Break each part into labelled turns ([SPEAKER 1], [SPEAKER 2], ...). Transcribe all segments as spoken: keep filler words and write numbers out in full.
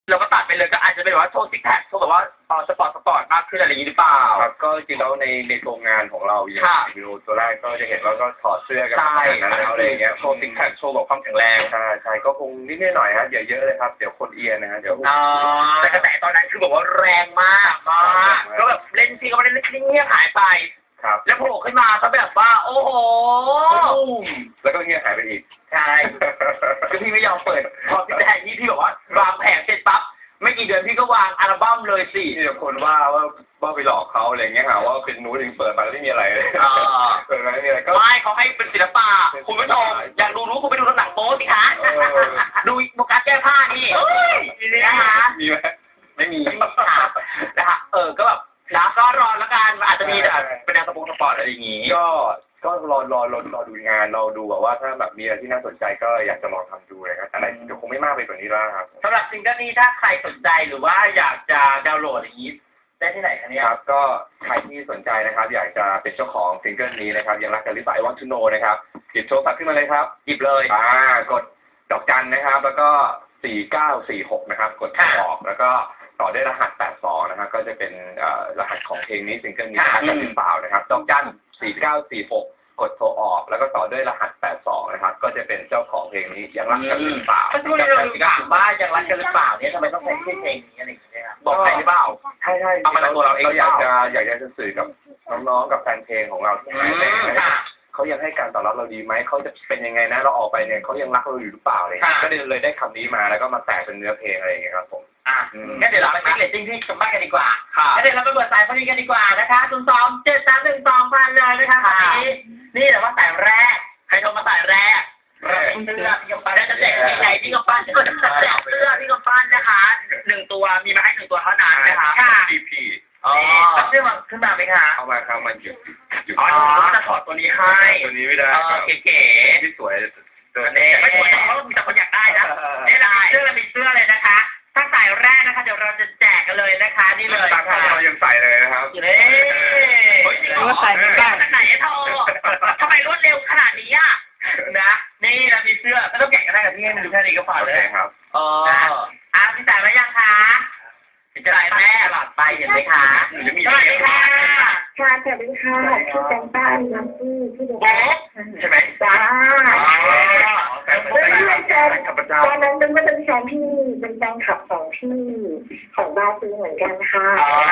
[SPEAKER 1] เราก็ตัดไปเลยก็อาจจะเป็นว่าโชว์ซิกแพคโชว์แบบว่าเออสปอร์ตสปอร์ตมากขึ้นอะไรอย่างนี้หรือเปล่า
[SPEAKER 2] ครับก็จริงๆแล้วในในโครงงานของเราอย่างวิดีโอตัวแรกก็จะเห็นว่าก็ถอดเสื้อกันขนาดนั้นแล้วอะไรอย่างเงี้ยโชว์ซิกแพคโชว์แบบความแข็งแรงใช่ใช่ก็คงนิดหน่อยฮะอย่าเยอะเลยครับเดี๋ยวคนเอียนนะฮะเดี๋ยว
[SPEAKER 1] แต่กระแสตอนนั้นคือบอกว่าแรงมากมากก็แบบเล่นซีก็ไม่ได้เล่นเงียบหายไปแล้วโผล่ขึ้นมาก็แบบว่าโอ้โห
[SPEAKER 2] แล้วก็เงียบหายไปอีก
[SPEAKER 1] ใช่คือพี่ไม่ยอมเปิดพอพี่แทนที่พี่บอกว่าวางแผนเสร็จปั๊บไม่กี่เดือนพี่ก็วางอัลบั้มเลยสิ
[SPEAKER 2] ที่คนว่าว่าว่าไปหลอกเขาอะไรเงี้ยหาว่าเป็นนูถึงเปิดมาแล้วไม่มีอะไรเลยเปิดมาไม่มีอะไรก็
[SPEAKER 1] ไม่เขาให้เป็นศิลปะคุณผู้ชมอยากดูรู้คุณไปดูหนังโป๊สิคะดูโฟกัสแก้ผ้านี่นะคะ
[SPEAKER 2] มีไหมไม่มี
[SPEAKER 1] นะคะเออก็แบบนะก็รอแล้วกันอาจจะมีแบบเป็นแนวสปอร์ตสปอร์ตอะไรอย่างงี้
[SPEAKER 2] ก็ก็รอรอรอรอดูงานเราดูแบบว่าถ้าแบบมีอะไรที่น่าสนใจก็อยากจะลองทำดูนะครับแต่เดี๋ยวคงไม่มากไปกว่านี้แล้วครับ
[SPEAKER 1] สำหรับซิงเกิลนี้ถ้าใครสนใจหรือว่าอยากจะดาวน์โหลดอย่างนี้ได้ที่ไหนคะเนี่ย
[SPEAKER 2] ครับก็ใครที่สนใจนะครับอยากจะเป็นเจ้าของซิงเกิลนี้นะครับยังรักกันหรือเปล่า I Want to Know นะครับหยิบโทรศัพท์ขึ้นมาเลยครับ
[SPEAKER 1] หยิบเลย
[SPEAKER 2] อ่ากดดอกจันนะครับแล้วก็สี่เก้าสี่หกนะครับกดออกแล้วก็ต่อด้วยรหัสแปดสองนะครับก็จะเป็นรหัสของเพลงนี้ซิงเกิลนี้รักกันหรือเปล่านะครับดอกจันสี่เก้าสี่หกกดโทรออกแล้วก็ต่อด้วยรหัสแปดสองนะครับก็จะเป็นเจ้าของเพลงนี้ยังรักกันหรือเปล่า
[SPEAKER 1] ก็ช่วยเราถามว่ายังรักกันหรือเปล่าเนี่ยทำไมต้องใช้เพลงนี้อะไรอย่างเงี้ยบอกใครหรือเปล่า
[SPEAKER 2] ใช่ใช่เอามาตัวเราเองเราอยากจะอยากจะสื่อกับน้องๆกับแฟนเพลงของเราที่ไหนเขายังให้การตอบรับเราดีไหมเขาจะเป็นยังไงนะเราออกไปเนี่ยเขายังรักเราอยู่หรือเปล่าเลยก็เลยได้คำนี้มาแล้วก็มาแตกเป็นเนื้อเพลงอะไรอย่างเงี้ยครับผม
[SPEAKER 1] อ่ะงั้นเดี๋ยวเราไปเช็คเรตติ้งที่ชมบ้านกันดีกว่างั้นเดี๋ยวเราไปเปิดสายพอดีกันดีกว่านะคะศูนย์สองเจ็ดสามหนึ่งสองพันเลยนะคะนี่นี่แต่ว่าสายแรกใครโทรมาสายแรกเสื้อพี่กำปั้นจะแจกที่ไหนพี่กำปั้นจะแจกเสื้อพี่กำปั้นนะคะหนึ่งตัวมีมาให้หนึ่งตัวเท่านั้นนะคะ
[SPEAKER 2] พีพี
[SPEAKER 1] อ๋อเสื้อมาขึ้นมาไหมคะ
[SPEAKER 2] เอามาครับมันหยุด
[SPEAKER 1] หยุดอ๋อจะถอดตัวนี้ให้
[SPEAKER 2] ตัวนี้ไม่ได้
[SPEAKER 1] เก๋ๆ
[SPEAKER 2] ที่สวย
[SPEAKER 1] ตัวนี้ไม่สวยเพราะมีแต่คนอยากได้นะนี่ได้เสื้อมีเสื้อเลยนะคะถ้าสายแรกนะคะเดี๋ยวเราจะแจกกันเลยนะคะนี่เลย
[SPEAKER 2] ค่ะเรายังใส่เลยนะครับ
[SPEAKER 1] เฮ้ยจริงเหรอใส่ไม่ได้ไหนโทรทำไมรวดเร็วขนาดนี้อ่ะนะนี่เรามีเสื้อไม่ต้องแกะก็ได้กับพี่ให้มันดูแค่นี้ก็พอเลย
[SPEAKER 2] ครับ
[SPEAKER 1] เอออ่ะพี่สายมายังคะจะได้แม่หลับไปเห็นไหมคะสวัสดีค่ะ
[SPEAKER 3] ค่ะสวัสดีค่ะพี่แตงต้าน้ำพี่พี่
[SPEAKER 1] โบ๊ะใช่ไหม
[SPEAKER 3] จ้า
[SPEAKER 2] เป็นแฟนขับประจำ
[SPEAKER 3] ตอนนั้นเป็นว่าเป็นแฟนพี่เป็นแฟนขับสองพี่ของบาซูเหมือนกันค่ะ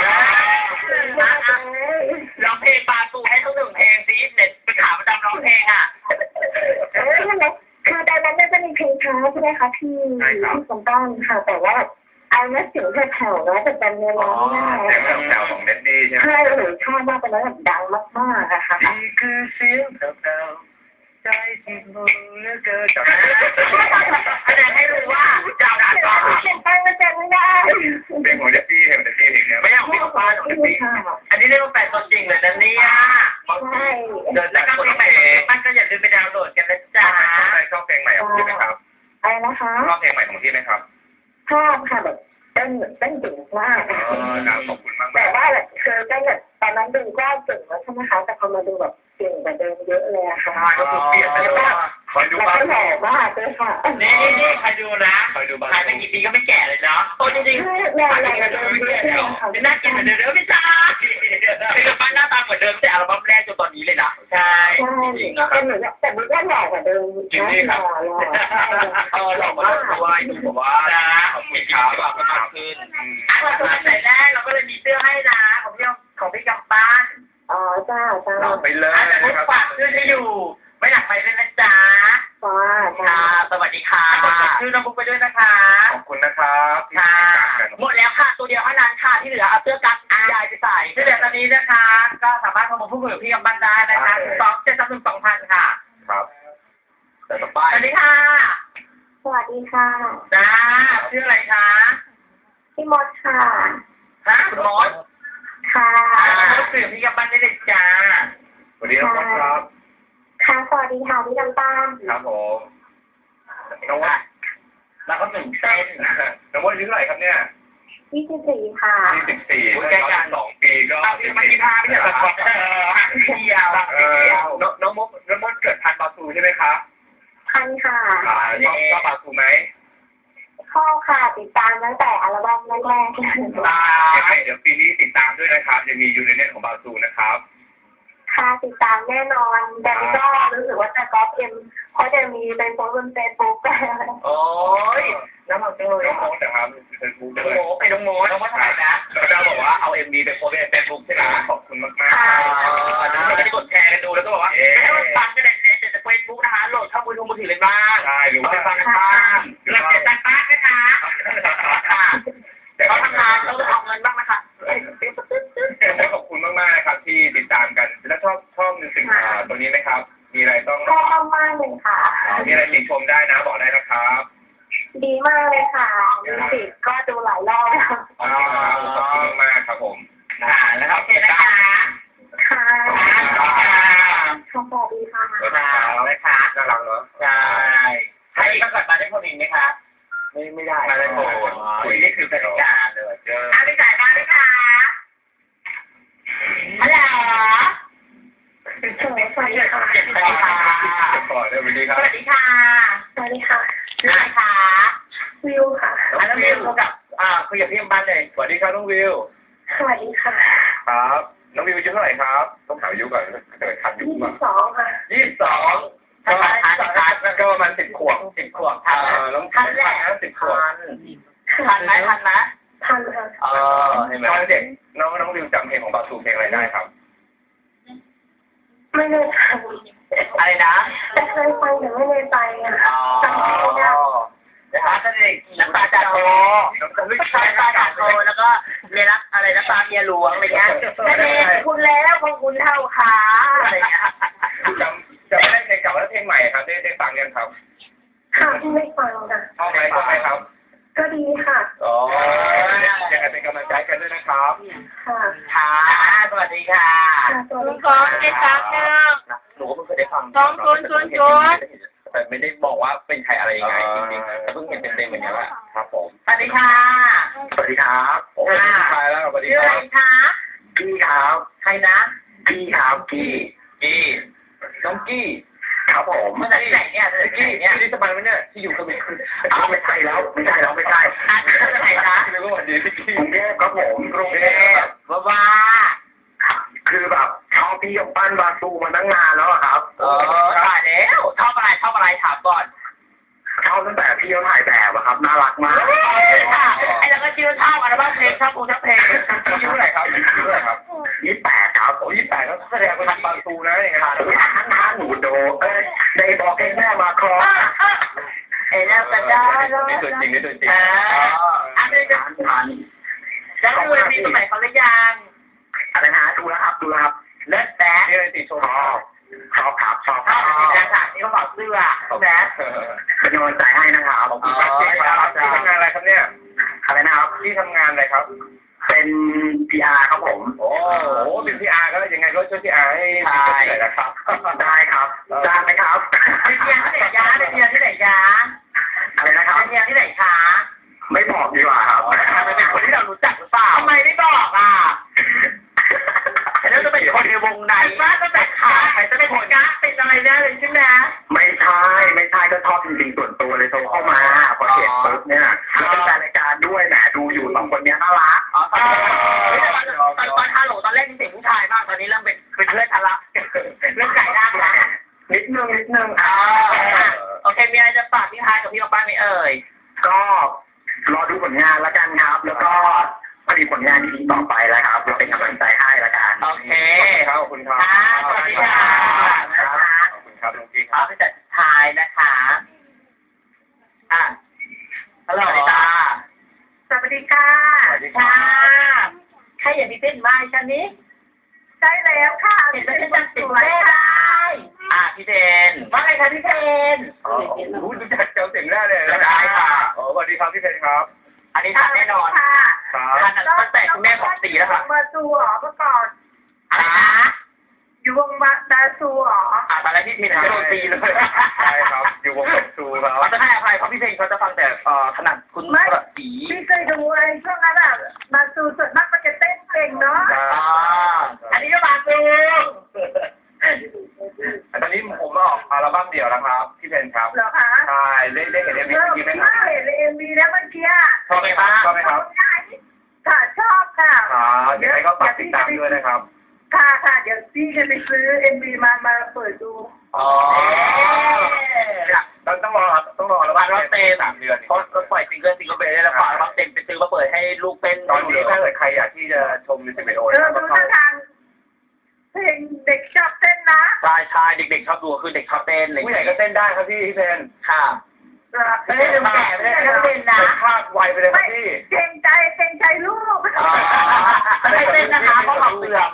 [SPEAKER 1] ร้องเพลงบาซูให้ทั้งหนึ่งเพลงซีเด็ดเป็นขาประจำร้องเพลงอ่ะ
[SPEAKER 3] เออใช่ไหมคือตอนนั้นจะมีเพลงช้าใช่ไหมคะพี่พี่สมต้องค่ะแต่ว่าไอ้นักเสียงแผ่วๆนะแต่เป็นเนื้อร้องง่าย
[SPEAKER 2] เสียงแผ่วๆของเน็ตดี้ใช่ไหม
[SPEAKER 3] ใช่หรือชอบมากเป็นแล้วแบบดังมากๆอะค่ะ
[SPEAKER 2] นี่คือเสียงแผ่วๆใจที่มือเลือกเกินจาก
[SPEAKER 1] แสดงให้รู้ว่าเจ้าหน้าที่
[SPEAKER 3] เป็นตั้งก็จำไม่ได้
[SPEAKER 2] เป็นของเน็ตดี้เน็ตดี้เองเนี่ย
[SPEAKER 1] ไม่อยากมีของฟ้าของเน็ตดี้อันนี้เรียกว่าแฟนตัวจริงเลยนะเนี่ย
[SPEAKER 3] ใช่
[SPEAKER 1] เดินแล้วก็เพลงใหม่มันก็อย่าลืมไปดาวน์โหลดกันนะจ๊ะ
[SPEAKER 2] ชอบเพลงใหม่ของพี่ไหมครับ
[SPEAKER 3] อะไรนะคะ
[SPEAKER 2] ชอบเพลงใหม่ของพี่ไหมครับ
[SPEAKER 3] ชอบค่ะแบบเต้นเต้นเก่งมาก
[SPEAKER 2] ขอบคุณมาก
[SPEAKER 3] แต่ว่าคือเต้นแบบตอนนั้นดูก็เก่งแล้วใช่ไหมคะแต่พอมาดูแบบเก่งกว่าเดิมเยอะเลยอะค่ะ
[SPEAKER 2] ก็คือเปลี่ยนไปแล้วว่าคอยดูบ้าง
[SPEAKER 3] แก่มากเลยค่ะ
[SPEAKER 1] นี่นี่ใครดูนะใครดูบ้างใครเป็นกี่ปีก็ไม่แก่เลยเนาะโอ้จริงๆ
[SPEAKER 3] แก่แก่เดิมเยอะเลย
[SPEAKER 1] ค่ะน่ากินเหมือนเดิมไม่ใช่เป็นกับบ้านหน้าตาเหมือนเดิมแต่อัลบั้มแรกจนตอนนี้เลยนะใช่
[SPEAKER 3] จริงๆแต่หนูแต่ดูก็หล่อกว่าเดิมนะหล่อหล่อ
[SPEAKER 1] เออหล่อมากด้วยดูแบบว่านะมีขาแบบมากขึ้นอ่ะเราตัวใส่แรกเราก็เลยมีเสื้อให้นะของพี่ของพี่กำปั้น
[SPEAKER 3] อ๋อจ้าจ้า
[SPEAKER 2] ไปเลย
[SPEAKER 1] นะครับฝากเสื้อที่อยู่ไม่หนักไปเลยนะจ๊ะ
[SPEAKER 3] จ้า
[SPEAKER 1] จ้าสวัสดีค่ะชื่อน้องบุ๊กไปด้วยนะคะ
[SPEAKER 2] ขอบคุณนะครับ
[SPEAKER 1] ค่ะหมดแล้วค่ะตัวเดียวเท่านั้นค่ะที่เหลือเอาเสื้อกั๊กยายไปใส่ที่เหลือตอนนี้นะคะก็สามารถเข้ามาพูดคุยกับพี่กำปั้นได้นะคะสองเจ็ดสามหนึ่งสองพันค่ะ
[SPEAKER 2] ครับ
[SPEAKER 1] แต่ต่อไปสวัสดีค่ะ
[SPEAKER 3] สวัสดีค่ะ
[SPEAKER 1] จ้าชื่ออะไรคะ
[SPEAKER 3] พี่มดค่ะ
[SPEAKER 1] ฮะคุณมด
[SPEAKER 3] ค่ะ
[SPEAKER 1] ก็สื่อพี่กำปั้นได้เลยจ้า
[SPEAKER 2] สวัสดีครับครับ
[SPEAKER 3] ค่ะสวัสดีค่ะพี่ลำตาล
[SPEAKER 2] ครับผมน้องว่า
[SPEAKER 1] แล้วก็ตื่นเต้น
[SPEAKER 2] น้องว่าอายุเท่าไหร่ครับเนี่ย
[SPEAKER 3] ยี่สิบสี่ค่ะ
[SPEAKER 2] ยี่สิบสี่แก่กันสองปีก็
[SPEAKER 1] มันมีพาไม่ใช่หรอครับเดียว
[SPEAKER 2] เออน้องมดน้องมดเกิดทันบาซูใช่ไหมครับ
[SPEAKER 3] ทันค่ะ
[SPEAKER 2] ชอบชอบบาซูไหม
[SPEAKER 3] ชอบค่ะติดตามตั้งแต่อัลบั้มแรกๆ
[SPEAKER 2] อ่าเดี๋ยวปีนี้ติดตามด้วยนะครับจะมียูเนเน็ตของบาซูนะครับ
[SPEAKER 3] ค่ะติดตามแน่นอนแต่ก็รู้สึกว่าจะก๊อปเอ็มเพราะจะมีเป็นโพสต์บนเฟซบุ๊ก
[SPEAKER 1] โอ้ยน้ำมันจังเลย
[SPEAKER 2] น้องโมดนะครับเป็นผู้
[SPEAKER 1] น้
[SPEAKER 2] ด้
[SPEAKER 1] อง
[SPEAKER 2] วย
[SPEAKER 1] โมไปน้องโมน้องโมถ่ายนะ
[SPEAKER 2] แล้วก็บอกว่าเอาเอ็มดีไปโพสต์ในเฟซบุ๊กใช่ไหมขอบคุณมากมาก
[SPEAKER 1] ตอนนั้นเราจะได้กดแชร์กันดูแล้วก็บอกว่าให้มันฟังกันในเฟซบุ๊กนะคะโหลดเข้ามือถือมือถือเลยบ้าง
[SPEAKER 2] ใช่หรือว่า
[SPEAKER 1] ไปฟังกันบ้างเราเสียตังค์บ้างนะคะค่ะเขาทำงานเราต้องเอาเงินบ้างนะคะ
[SPEAKER 2] ขอบคุณมากมากนะครับที่ติดตามกันแล้วชอบชอบในสิ่งตัวนี้ไหมครับ มีอะไรต้อง
[SPEAKER 3] ชอบมากเลยค่ะ
[SPEAKER 2] มีอะไรติชมได้นะบอกได้นะครับ
[SPEAKER 3] ดีมากเลยค่ะมิวสิกก็ดูหลายรอบแล้ว
[SPEAKER 2] ขอบคุณมากครับผม
[SPEAKER 1] ค่ะแล้วโอเคนะคะ
[SPEAKER 3] ค่ะ
[SPEAKER 1] ค่ะ
[SPEAKER 3] สวัสดีค่ะ
[SPEAKER 1] ค่ะนะคะ
[SPEAKER 2] น่ารักเนาะ
[SPEAKER 1] ใช่ให้มาก่อนมาได้คนอีกไหมคะ
[SPEAKER 2] ไม่ไม่ได้ไม่ได้โกรธ
[SPEAKER 1] คุยนี่คือกติกาเลย
[SPEAKER 2] เจอ
[SPEAKER 1] อ่ะพี่สายมาไหมคะฮัลโหล
[SPEAKER 3] สวัสดีค่ะ
[SPEAKER 1] สวัสดีค่ะ
[SPEAKER 2] เดี๋ยวก่อนเดี๋ยวสวัสดีค
[SPEAKER 1] ส
[SPEAKER 2] รับ
[SPEAKER 1] วัสดีค่ะ
[SPEAKER 3] สวัสดีค่ะ
[SPEAKER 1] ชื่ออะไรคะ
[SPEAKER 3] วิวค่ะ
[SPEAKER 1] อ่ะแล้ววิวคุยกับอ่าคุยกับพี่บ้านเลย
[SPEAKER 2] สวัสดีครับน้องวิว
[SPEAKER 3] สวัสดีค่ะ
[SPEAKER 2] ครับ น้องวิวอายุเท่าไหร่ครับ ต้องถามอายุก่อนเกิดทันอายุ
[SPEAKER 3] ยี่สิ
[SPEAKER 2] ป่ะ
[SPEAKER 3] บสองค่ะ
[SPEAKER 1] ยี่สิบสองทั
[SPEAKER 2] ก็
[SPEAKER 1] นทันทัน
[SPEAKER 2] ก็ประมาณสิบขวบ
[SPEAKER 1] สิบขวบทัน
[SPEAKER 2] น้อง
[SPEAKER 1] ทันแหละ
[SPEAKER 2] สิบขวบ
[SPEAKER 1] ทันไหมทันไหม
[SPEAKER 3] ทันค่ะ
[SPEAKER 1] เออ
[SPEAKER 2] เห็นไหมเด็กน้องน้องวิวจำเพลงของบาซูเพลงอะไรได้ครับ
[SPEAKER 3] ไม่ได้ทัน
[SPEAKER 1] อะไรนะ
[SPEAKER 3] แต่เคยฟังแต่ไม่ได้ไปอ่ะ
[SPEAKER 1] อ๋อ
[SPEAKER 3] จำไม่ได้
[SPEAKER 1] นะคะตอนเด็กน้ำตาจัดโตน้ำตาจัดโตแล้วก็เรียนรักอะไรน้ำตาเมียหลวงอะไรเงี้ยนั่นเองคุณแล้วของคุณเท่าขาอะไรเงี้ย
[SPEAKER 2] จำจำไม่ได้เพลงเก่าและเพลงใหม่ครับได้ได้ฟังกันครับ
[SPEAKER 3] ค่ะที่ไม่ฟังค่ะ
[SPEAKER 2] ชอบไหมชอบไหมครับ
[SPEAKER 3] ก็ดีค่ะ
[SPEAKER 2] อ๋อยังไงเป็นกำลังใจกันด้วยนะครับ
[SPEAKER 3] ค่ะ
[SPEAKER 1] ค่ะสวัสดีค่ะ
[SPEAKER 3] ค่ะสวัสดี
[SPEAKER 1] ขอ
[SPEAKER 3] ค่ะ
[SPEAKER 1] เจ็ดสามหนึ่งหนูก็เพิ่งเคยได้ฟัง
[SPEAKER 4] สองศูนย์ศูนย์ศูนย์
[SPEAKER 2] แต่ไม่ได้บอกว่าเป็นใครอะไรยังไงจริงๆแต่เพิ่งเห็นเต็มๆเหมือนกันแหละครับผม
[SPEAKER 1] สวัสดีค่ะ
[SPEAKER 2] สวัสดีครับโอ้ยตายแล้วสวัสดี
[SPEAKER 1] ชื่อ
[SPEAKER 2] ค
[SPEAKER 1] อะไร
[SPEAKER 2] รับ
[SPEAKER 1] คะ
[SPEAKER 2] กี้ครับ
[SPEAKER 1] ใครนะ
[SPEAKER 2] กี้ครับกี้กี้น้องกี้ครับผม
[SPEAKER 1] มาจากที่ไหนเนี่ยมาจากที่
[SPEAKER 2] กี้
[SPEAKER 1] ไหนเนี่ย
[SPEAKER 2] ที่สมัยมันเนี่ยที่อยู่กับมีอ้าวไม่ใช่แล้วไม่ใช่แล้วไม่ใช่
[SPEAKER 1] อ่ะมาจากไหนนะ
[SPEAKER 2] คือว่าดีพี่กี้กรุงเทพครับผมกรุงเทพ
[SPEAKER 1] บ้าบ้า
[SPEAKER 2] คือแบบชอบพี่กับปั้นบาซูมาตั้งนานแล้วอะครับ
[SPEAKER 1] เออถ่ายแล้วชอบอะไรชอบอะไรถามก่อน
[SPEAKER 2] ชอบตั้งแต่พี่เขาถ่ายแบบอะครับน่ารักมาก
[SPEAKER 1] ไอ้เราก็ชื่อชอบอัลบั้มเพลงชอบกูชอบเพลง
[SPEAKER 2] อายุเท่าไหร่ครับอายุเท่าไหร่ครับยี่สิบแปดครับโอ้ยี่สิบแปดก็แสดงว่าทันบาซูนะอย่างเงี้ยทันทันหนูโดเอ้ยได้บอกให้แม่มาครอ
[SPEAKER 1] เอ้ยแล้วก็ได้
[SPEAKER 2] นี่ตัวจริงนี่ตัวจริง
[SPEAKER 1] อ่าอันนี้จะ
[SPEAKER 2] ทัน
[SPEAKER 1] แล้วดูมีสมัยเขาหรือยัง
[SPEAKER 2] อะไรนะดูแล้วครับดูแล้วครับ
[SPEAKER 1] เลิศแบ๊ะ
[SPEAKER 2] นี่เลยติชมชอบชอบครับชอบ
[SPEAKER 1] ชอบสีแดงค่ะที่เขาบอกเสื้อใช่ไหม
[SPEAKER 2] เป็นกำลังใจให้นะครับขอบคุณครับที่ทำงานอะไรครับเนี่ยอะไรนะครับที่ทำงานอะไรครับ เป็น พี อาร์ ครับผมโอ้โหเป็น พี อาร์ ก็ยังไงก็ช่วย พี อาร์ ให้พี่หน่อยนะครับได้ครับจ้างไหมครับ
[SPEAKER 1] เป็นเมียที่ไหนยะเป็นเมียที่ไหนยะ
[SPEAKER 2] อะไรนะครับ
[SPEAKER 1] เป็นเมียที่ไหนคะ
[SPEAKER 2] ไม่บอกดีกว่าครับ
[SPEAKER 1] มันเป็นคนที่เรารู้จักหรือเปล่าทำไมไม่บอกอ่ะแล้วจะเป็นคนในวงไหนว่าจะเป็นใครจะเป็นคนกะเป็นอะไรเนี่ยเลยใช่ไหม
[SPEAKER 2] ไม่ใช่ไม่ใช่ก็ชอบจริงๆส่วนตัวเลยโทรเข้ามาพอเห็นปุ๊บเนี่ยแล้วเป็นแฟนรายการด้วยแหมดูอยู่สองคนเนี้ยน่ารัก
[SPEAKER 1] อ๋อตอนตอนตอนฮัลโหลตอนแรกที่เสียงผู้ชายมากตอนนี้เริ่มเป็นเป็นเพื่อนกันละเริ่มไก่ร่างละ
[SPEAKER 2] นิดนึงนิดนึง
[SPEAKER 1] อ๋อโอเคมีอะไรจะฝากพี่ฮายกับพี่ป้าไหมเอ่ย
[SPEAKER 2] ก็รอดูผลงานแล้วกันครับ แล้วก็ผลิตผลงานดีๆต่อไปแล้วครับจะเป็นกำลังใจให้แล้วกัน
[SPEAKER 1] โอเค
[SPEAKER 2] ครับขอบคุณครับ
[SPEAKER 1] สวัสดีค่ะนะคะ
[SPEAKER 2] ขอบคุณครับน้องกิ๊กค
[SPEAKER 1] เอา
[SPEAKER 2] รับ
[SPEAKER 1] ไปจัดทายนะคะอ่ะฮัลโหลตา
[SPEAKER 3] สวัสดีค่ะ
[SPEAKER 2] สวัสดีครั
[SPEAKER 1] ค่ะ
[SPEAKER 2] บ
[SPEAKER 1] ใครอยากพี่เต้นมาฉันนี้
[SPEAKER 3] ใช่แล้วค่ะ
[SPEAKER 1] เห็นแล้วฉันจะติดได้อ่ะพี่เทนว่าไงคะพี่เทน
[SPEAKER 2] อ๋อรู้จักเจ้าเสียงได้เลย
[SPEAKER 1] ได้ค่ะ
[SPEAKER 2] อ๋อสวัสดีครับพี่เพนครับ
[SPEAKER 1] อันนี้ทันแน่นอน
[SPEAKER 3] ค่ะ
[SPEAKER 2] ครับ
[SPEAKER 1] ทันตั้งแต่คุณแม่บอกตีแล้วค่ะ
[SPEAKER 3] บาซูเหรอเมื่อก่อน
[SPEAKER 1] อะไรนะ
[SPEAKER 3] อยู่วงบาบาซูเหรอ
[SPEAKER 1] อ่ะตอนแรกพี่เทนจะโดนตีเลย
[SPEAKER 2] ใช่ครับ อยู่วงกับซูครับ
[SPEAKER 1] เราจะให้อภัยเพราะพี่เทนเขาจะฟังแต่เอ่อถนัดคุณกระสี
[SPEAKER 3] พี่เคยดูไอ้ช่วงนั้นอ่ะบาซูส่วนมากมันจะเต้นเก่งเนาะ
[SPEAKER 1] อ่าอันนี้ก็มาซู
[SPEAKER 2] ตอนนี้ผมออกอัลบั้มเดี่ยวแล้วครับพี่เพนครับ
[SPEAKER 3] เหรอคะ
[SPEAKER 2] ใช่เล่นเล่นเห็นเอ็มวี
[SPEAKER 3] เริ่ม
[SPEAKER 2] ไหมค
[SPEAKER 3] มา
[SPEAKER 2] รับ
[SPEAKER 3] เห็นในเอ็มวีแล้วมัน
[SPEAKER 2] ยังไงก็ฝากติดตามด้วยนะครับ
[SPEAKER 3] ค่ะค่ะเดี๋ยวพี่จะไปซื้อเอ็มวีมามาเปิดดู
[SPEAKER 2] อ๋อต้องต้องรอต้องรอแล้ว
[SPEAKER 1] วันรอบเต็ม
[SPEAKER 2] สามเดือน
[SPEAKER 1] เพราะก็ปล่อยซิงเกิลซิงเกิลไปได้แล้วก่อนรอบเต็มไปซื้อมาเปิดให้ลูกเต้น
[SPEAKER 2] ตอนนี้ถ้าเกิดใครอยากที่จะชมมิวสิกวิดีโอ
[SPEAKER 3] เออ
[SPEAKER 2] นะครับ
[SPEAKER 3] ดู
[SPEAKER 2] ก็เข้า
[SPEAKER 3] ทางเพลงเด็กชอบเต้นนะ
[SPEAKER 1] ใช่ใช่เด็กๆชอบดูคือเด็กชอบเต้นอะไรอย่าง
[SPEAKER 2] ผู้ใหญ่
[SPEAKER 1] เงี้ย
[SPEAKER 2] ก็เต้นได้ครับพี่พี่เพน
[SPEAKER 1] ค่ะ ไม่ได้ลืมแก่ไม่ได้ลืมเต้นนะ
[SPEAKER 2] พลาดไวไปเลยครับพี่
[SPEAKER 3] เกรงใจเกรงใจลูก
[SPEAKER 1] อ๋อไม่ได้เต้นนะคะเพราะหลอกเสื่อม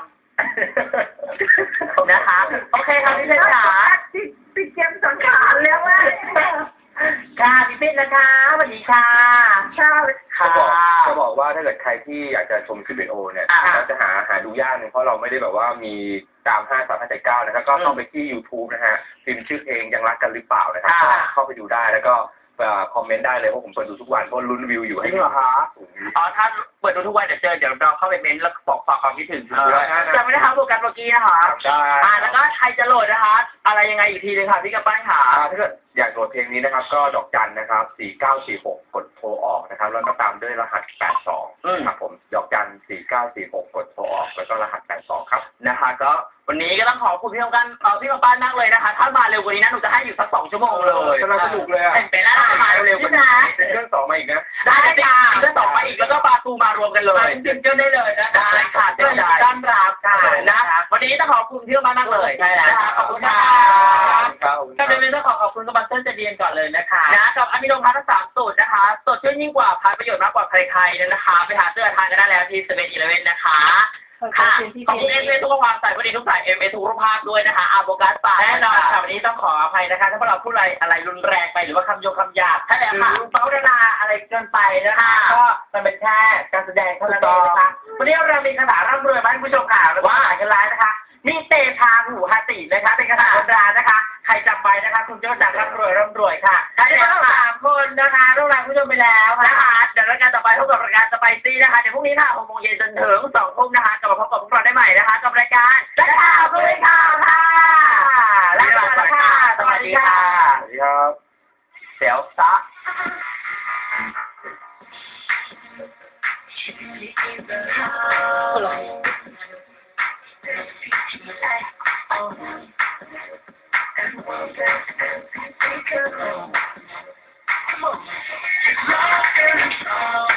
[SPEAKER 1] นะคะ โอเคครับพี่เพชรจ๋า
[SPEAKER 3] ติดติดเกมสังขารแล้วว่า
[SPEAKER 1] ค่ะพี่เพชรนะคะสวัสดีค่ะ
[SPEAKER 3] ชอบ
[SPEAKER 1] ค่ะ
[SPEAKER 2] จะบอกจะบอกว่าถ้าเกิดใครที่อยากจะชมคลิปวิดีโอเนี่ย
[SPEAKER 1] อ่า
[SPEAKER 2] เราจะหาหาดูยากหนึงเพราะเราไม่ได้แบบว่ามีตามห้าสามห้าเจ็ดเก้านะครับก็เข้าไปที่ YouTube นะฮะพิมพ์ชื่อเพลงยังรักกันหรือเปล่านะครับ
[SPEAKER 1] อ่า
[SPEAKER 2] ก็เข้าไปดูได้แล้วก็เอ่อคอมเมนต์ได้เลยเพราะผมเปิดดูทุกวันเพราะลุ้นวิวอยู่ให้
[SPEAKER 1] จริงเหรอคะ
[SPEAKER 2] สูง
[SPEAKER 1] อ๋อถ้าเปิดดูทุกวันเดี๋ยวเจอเดี๋ยวเราเข้าไปเม้นต์แล้วบอกฝากความคิดถึง
[SPEAKER 2] เออ
[SPEAKER 1] ด้วย
[SPEAKER 2] ได้นะ
[SPEAKER 1] จำไม่ได้ครับโปรแกรมเมื่อกี้นะคะ
[SPEAKER 2] ได้
[SPEAKER 1] อ่าแล้วก็ใครจะโหลดนะคะ อะไรยังไงอีกทีเลยค่ะพี่กระปั้นขา
[SPEAKER 2] อ่าถ้าเกิดอยากโหลดเพลงนี้นะครับ ก็ดอกจันนะครับสี่เก้าสี่หกกดโทรออกนะครับแล้วก็ตามด้วยรหัสแปดสองครับผมดอกจันสี่เก้าสี่หกกดโทรออกแล้วก็รหัสแปดสองครับ
[SPEAKER 1] นะคะก็วันนี้ก็ต้องขอบคุณพี่กำปั้นเอ่อพี่กำปั้นมากเลยนะคะ ถ้ามาเร็วกว่านี้นะหนูจะให้อยู่สักสองชั่วโมงเลย
[SPEAKER 2] กำลังสนุกเลยอะ
[SPEAKER 1] เป็นไปได้มาเร็วกว่านี้
[SPEAKER 2] ซิงเกิลสองมาอีกนะ
[SPEAKER 1] ได้ค่ะก็ต่อมาอีกแล้วก็ปาตูมารวมกันเลยจริงๆได้เลยนะได้ค่ะเชิญต้อนรับค่ะนะวันนี้ต้องขอบคุณพี่กำปั้นมากเลยนะคะขอบคุณค่ะ
[SPEAKER 2] ครับ
[SPEAKER 1] ก็เป็นเรื่องต้องขอบคุณกำปั้นเต้นจะเรียนก่อนเลยนะคะนะกับอะมิโนพัททั้งสามสูตรนะคะสดชื่นยิ่งกว่าพัดประโยชน์มากกว่าใครๆนะคะไปหาเสื้อทานกันได้แล้วที่เซเว่นอีเลฟเว่นนะคะค่ะขอบคุณเอสเอทุกความใส่พอดีทุกสายเอ็มเอทุกรูปภาพด้วยนะคะอาโบกัสปาแน่นอนค่ะวันนี้ต้องขออภัยนะคะถ้าพวกเราพูดอะไรอะไรรุนแรงไปหรือว่าคำโยงคำหยาบถ้าแต่ค่ะเป้าดาราอะไรเกินไปนะคะก็มันเป็นแค่การแสดงเท่านั้นเองนะคะวันนี้เรามีคาถาร่ำรวยมาให้ผู้ชมข่าวว่าหลายกันร้ายนะคะมีเตชาหูหาตินะคะเป็นคาถาโบราณนะคะใครจำไปนะคะคุณจะจากร่ำรวยร่ำรวยค่ะใช่แล้วสามคนนะคะร่วมรายผู้ชมไปแล้วนะคะเดี๋ยวรายการต่อไปพบกับรายการสไปซี่นะคะเดี๋ยวพรุ่งนี้ค่ะหกโมงเย็นจนถึงสองทุ่มนะคะกลับมาพบกับพวกเราได้ใหม่นะคะกับรายการและข่าวคุยข่าวค่ะและข่าวค่ะสวัสดีค่ะ
[SPEAKER 2] สวัสดีครับ
[SPEAKER 1] เดี๋ยวซะ
[SPEAKER 3] Come on.